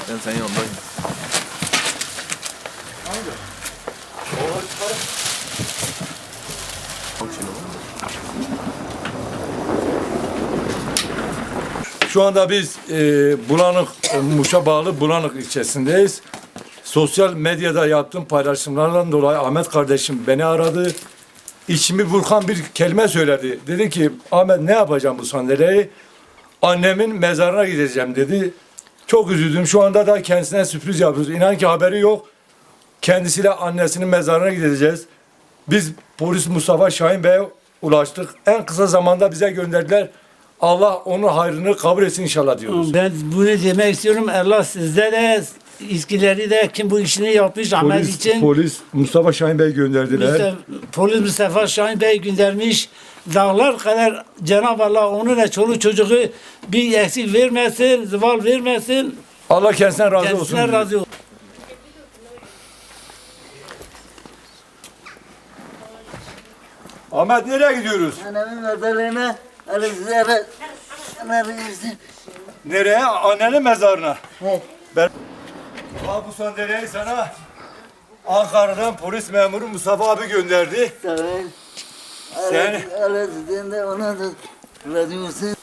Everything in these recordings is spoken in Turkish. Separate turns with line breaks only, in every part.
Ben senin yanındayım.
Hangi? Şu anda biz Bulanık, Muş'a bağlı Bulanık ilçesindeyiz. Sosyal medyada yaptığım paylaşımlardan dolayı Ahmet kardeşim beni aradı. İçimi burkan bir kelime söyledi. Dedi ki Ahmet ne yapacağım bu sandalyeyi? Annemin mezarına gideceğim dedi. Çok üzüldüm. Şu anda da kendisine sürpriz yapıyoruz. İnan ki haberi yok. Kendisiyle annesinin mezarına gideceğiz. Biz polis Mustafa Şahin Bey'e ulaştık. En kısa zamanda bize gönderdiler. Allah onun hayrını kabul etsin inşallah diyoruz.
Ben bunu demek istiyorum. Allah sizde de İSKİ'leri de kim bu işini yapmış Ahmet için.
Polis Mustafa Şahin Bey gönderdiler.
Polis Mustafa Şahin Bey göndermiş. Dağlar kadar Cenab-ı Allah onu da çoluk çocuğu bir eksik vermesin, zeval vermesin.
Allah kendisine razı olsun.
Kendisine razı olsun.
Ahmet nereye gidiyoruz?
Annemin mezarlığına arızlara arızı.
Nereye? Annenin mezarına.
Evet.
Ben bu sandalyeyi sana Ankara'dan polis memuru Mustafa abi gönderdi.
Tamam.
Sen-
Arızdan da ona da razı olsun.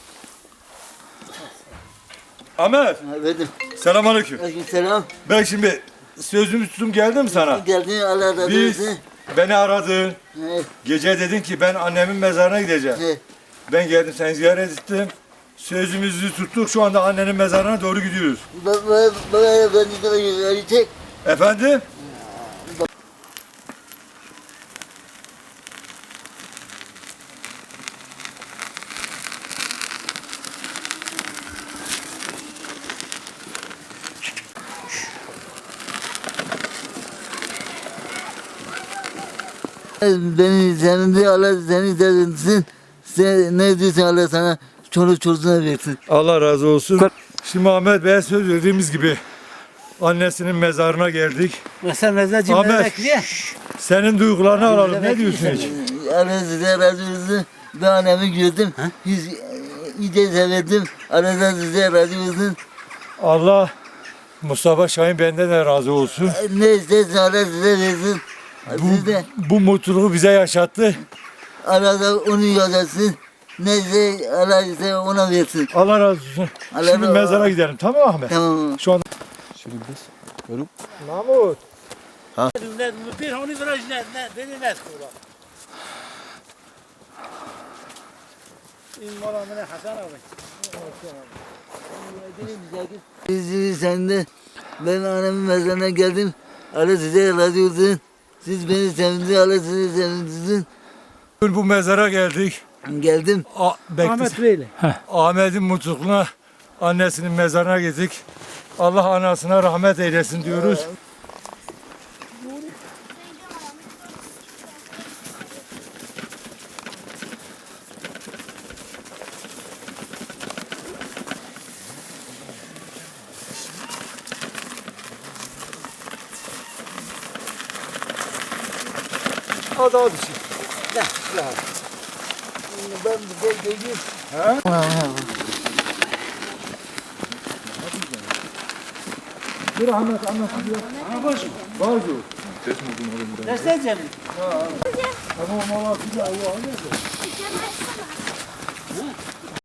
Ahmet,
Evet.
selamünaleyküm.
Aleykümselam.
Ben şimdi sözümü tuttum geldim sana.
Geldin Allah razı
Biz
olsun.
beni aradın.
Evet.
Gece dedin ki ben annemin mezarına gideceğim.
Evet.
Ben geldim seni ziyaret ettim. Sözümüzü tuttuk. Şu anda annenin mezarına doğru gidiyoruz.
Baba ben de gelecek.
Efendim?
Beni senin de Allah seni sevinsin. Sen ne diyorsun Allah sana çoluk çocuğuna versin.
Allah razı olsun. Şimdi Ahmet Bey'e söz verdiğimiz gibi annesinin mezarına geldik.
Mesela mezarcı
Ahmet,
bekliyor.
senin duygularını alalım. Ne diyorsun hiç?
Allah size razı olsun. Ben annemi gördüm. Hiç iyice sevdim. Allah size razı olsun.
Allah Mustafa Şahin benden de razı olsun.
Ne istersen Allah size versin. Siz de
Bu mutluluğu bize yaşattı.
Allah da onu yazasın. Neyse Allah size ona versin.
Allah razı olsun.
Allah
Şimdi
razı-
mezara gidelim. Tamam mı Ahmet?
Tamam.
Şu anda. Mahmut.
Bir hani viraj ne beni ne kula. İn mala mene Hasan abi.
Siz sen de ben annemin mezarına geldim. Allah size razı olsun. Siz beni sevdiniz. Allah sizi sevindirsin.
Bu mezara geldik.
Geldim.
Ahmet böyle.
Ahmet'in mutluluğuna annesinin mezarına gittik. Allah anasına rahmet eylesin diyoruz. Hadi hadi.
Ben bir de geleyim.
Bir Ahmet anlat. Var mı?
Destek canım.
Tamam Allah bir daha.